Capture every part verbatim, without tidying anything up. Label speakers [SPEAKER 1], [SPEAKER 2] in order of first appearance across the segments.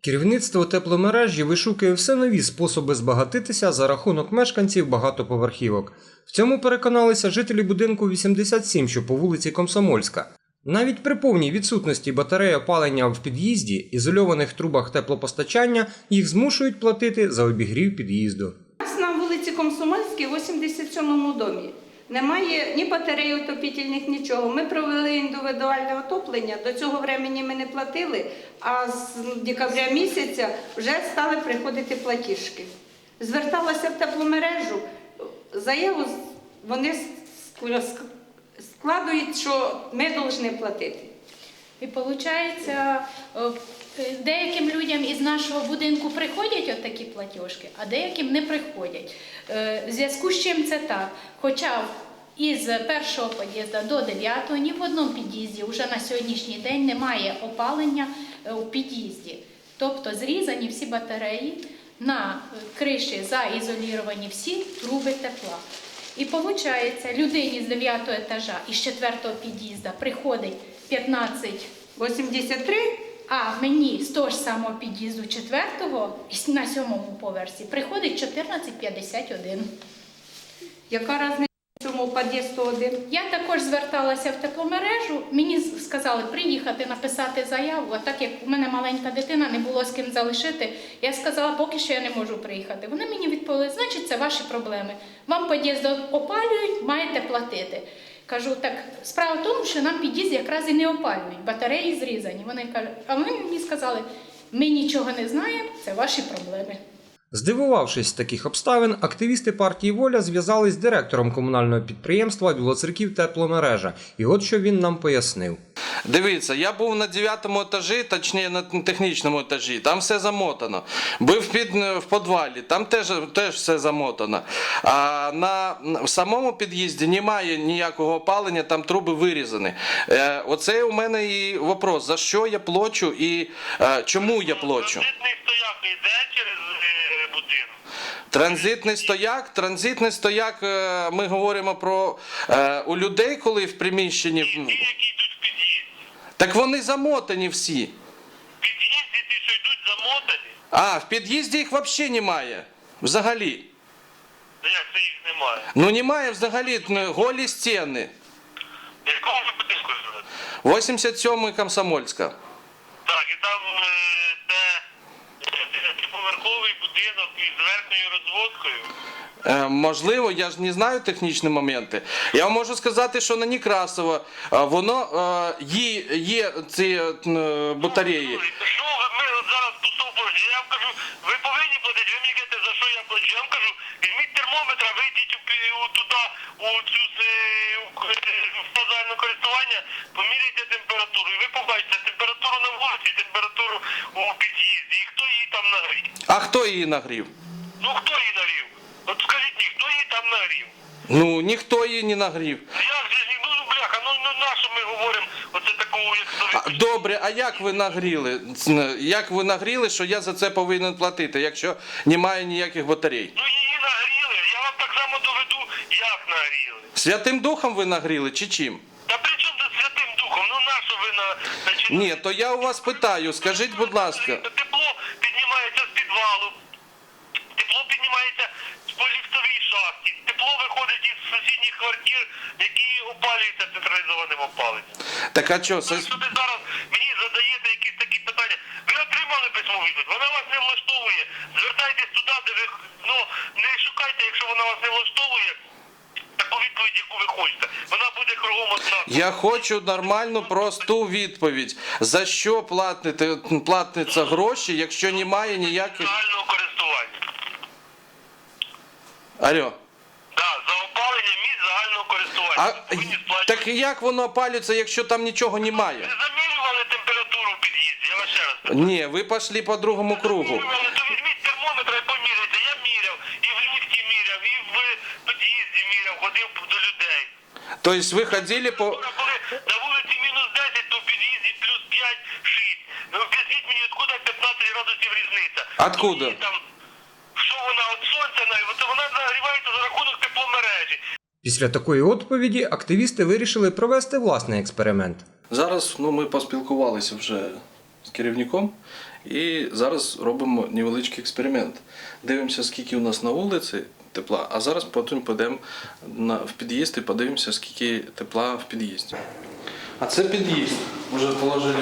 [SPEAKER 1] Керівництво тепломережі вишукує все нові способи збагатитися за рахунок мешканців багатоповерхівок. В цьому переконалися жителі будинку вісімдесят сім, що по вулиці Комсомольська. Навіть при повній відсутності батареї опалення в під'їзді, ізольованих трубах теплопостачання, їх змушують платити за обігрів під'їзду.
[SPEAKER 2] У нас на вулиці Комсомольській, вісімдесят сьомому домі, немає ні батарей отопітельних, нічого. Ми провели індивідуальне отоплення, до цього времени ми не платили, а з декабря місяця вже стали приходити платіжки. Зверталася в тепломережу, заяву вони складують, що ми повинні платити.
[SPEAKER 3] І виходить, деяким людям із нашого будинку приходять от такі платіжки, а деяким не приходять. В зв'язку з чим це так? Хоча із першого під'їзду до дев'ятого ні в одному під'їзді вже на сьогоднішній день немає опалення у під'їзді. Тобто зрізані всі батареї, на криші заізоліровані всі труби тепла. І виходить, людині з дев'ятого етажа і з четвертого під'їзду приходить п'ятнадцять
[SPEAKER 2] вісімдесят три,
[SPEAKER 3] а мені з того ж самого під'їзду четвертого на сьомому поверсі приходить чотирнадцять п'ятдесят один.
[SPEAKER 2] Яка різниця в цьому під'їзду один?
[SPEAKER 3] Я також зверталася в тепломережу, мені сказали приїхати, написати заяву, а так як у мене маленька дитина, не було з ким залишити, я сказала, поки що я не можу приїхати. Вони мені відповіли, значить це ваші проблеми. Вам під'їзд опалюють, маєте платити. Кажу, так, справа в тому, що нам під'їзд якраз і не опалюють, батареї зрізані. Вони кажуть, а вони мені сказали, ми нічого не знаємо, це ваші проблеми.
[SPEAKER 1] Здивувавшись з таких обставин, активісти партії «Воля» зв'язались з директором комунального підприємства «Білоцерків тепломережа». І от що він нам пояснив.
[SPEAKER 4] Дивіться, я був на дев'ятому етажі, точніше на технічному етажі, там все замотано. Був під, в підвалі, там теж, теж все замотано. А на, в самому під'їзді немає ніякого опалення, там труби вирізані. Е, оце у мене і вопрос, за що я плачу і е, чому я плачу.
[SPEAKER 5] Транзитний стояк йде через е, будинок.
[SPEAKER 4] Транзитний стояк, транзитний стояк, е, ми говоримо про е, у людей, коли в приміщенні...
[SPEAKER 5] Ті, які йдуть в під'їзді.
[SPEAKER 4] Так вони замотані всі.
[SPEAKER 5] В під'їзді ті, що йдуть замотані.
[SPEAKER 4] А, в під'їзді їх взагалі немає. Взагалі.
[SPEAKER 5] Та як це їх немає?
[SPEAKER 4] Ну немає взагалі, голі стіни.
[SPEAKER 5] В якому ви будинку живете?
[SPEAKER 4] вісімдесят сьомий Комсомольська.
[SPEAKER 5] Так, і там е, де дев'ятиповерховий будинок із верхньою розводкою.
[SPEAKER 4] Е, можливо, я ж не знаю технічні моменти. Я вам можу сказати, що на Некрасова е, воно е, є, є ці е, батареї.
[SPEAKER 5] Ну, що ви, ми от зараз поступили, я вам кажу, ви повинні платити, ви мені кажете, за що я плачу. Я вам кажу, візьміть термометра, вийдіть у, у, туди, у цю в загальне користування, поміряйте температуру, і ви побачите температуру на вулиці, температуру у під'їзді, і хто її там нагрів.
[SPEAKER 4] А хто її нагрів?
[SPEAKER 5] Ну хто її нагрів? От скажіть мені, хто її там нагрів?
[SPEAKER 4] Ну, ніхто її не нагрів.
[SPEAKER 5] Як же ж, ну бляха, ну, ну на що ми говоримо оце такого, як
[SPEAKER 4] А, добре, а як ви нагріли? Як ви нагріли, що я за це повинен платити, якщо немає ніяких батарей?
[SPEAKER 5] Ну її нагріли, я вам так само доведу, як нагріли.
[SPEAKER 4] Святим Духом ви нагріли чи чим?
[SPEAKER 5] Та при чому тут Святим Духом? Ну на що ви на... Значить,
[SPEAKER 4] Ні, то я у вас питаю, скажіть, будь ласка.
[SPEAKER 5] Тепло піднімається з підвалу, тепло піднімається по ліфтовій шахті, тепло виходить із сусідніх квартир, які опалюються централізованим опаленням.
[SPEAKER 4] Так а що,
[SPEAKER 5] Ну,
[SPEAKER 4] це...
[SPEAKER 5] що ви зараз мені задаєте якісь такі питання? Ви отримали письмову відповідь, вона вас не влаштовує. Звертайтесь туди, де ви, ну, не шукайте, якщо вона вас не влаштовує, таку відповідь, яку ви хочете. Вона буде кругом одна.
[SPEAKER 4] Я хочу нормальну, просту відповідь. За що платите, платиться гроші, якщо немає ніяких...
[SPEAKER 5] Загального користування.
[SPEAKER 4] Алло.
[SPEAKER 5] Да, за опалення місць загального користування.
[SPEAKER 4] А,
[SPEAKER 5] Ви повинні сплачувати.
[SPEAKER 4] так як воно опалюється, якщо там нічого немає?
[SPEAKER 5] Ви замірювали температуру в під'їзді, я вас ще раз питаю.
[SPEAKER 4] Ні, ви пішли по другому кругу.
[SPEAKER 5] Замірювали, то візьміть термометр і поміряйте. Я міряв, і в ліфті міряв, і в під'їзді міряв, ходив до людей.
[SPEAKER 4] Тобто ви ходили по...
[SPEAKER 5] Коли на вулиці мінус десять, то в під'їзді плюс п'ять-шість. Ну, об'ясніть мені, откуда п'ятнадцять градусів різниця?
[SPEAKER 4] Откуда?
[SPEAKER 5] Ну, там, що вона, от сонця, то вона нагрівається за рахунок тепломережі.
[SPEAKER 1] Після такої відповіді активісти вирішили провести власний експеримент.
[SPEAKER 4] Зараз ну, ми поспілкувалися вже з керівником і зараз робимо невеличкий експеримент. Дивимося, скільки у нас на вулиці тепла, а зараз потім підемо на, в під'їзд і подивимося, скільки тепла в під'їзді. А це під'їзд. Вже положили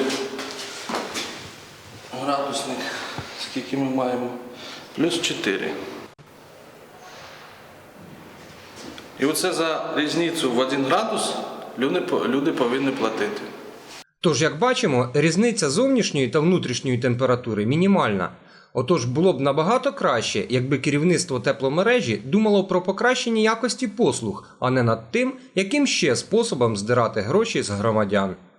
[SPEAKER 4] градусник, скільки ми маємо. Плюс чотири. І оце за різницю в один градус люди, люди повинні платити.
[SPEAKER 1] Тож, як бачимо, різниця зовнішньої та внутрішньої температури мінімальна. Отож, було б набагато краще, якби керівництво тепломережі думало про покращення якості послуг, а не над тим, яким ще способом здирати гроші з громадян.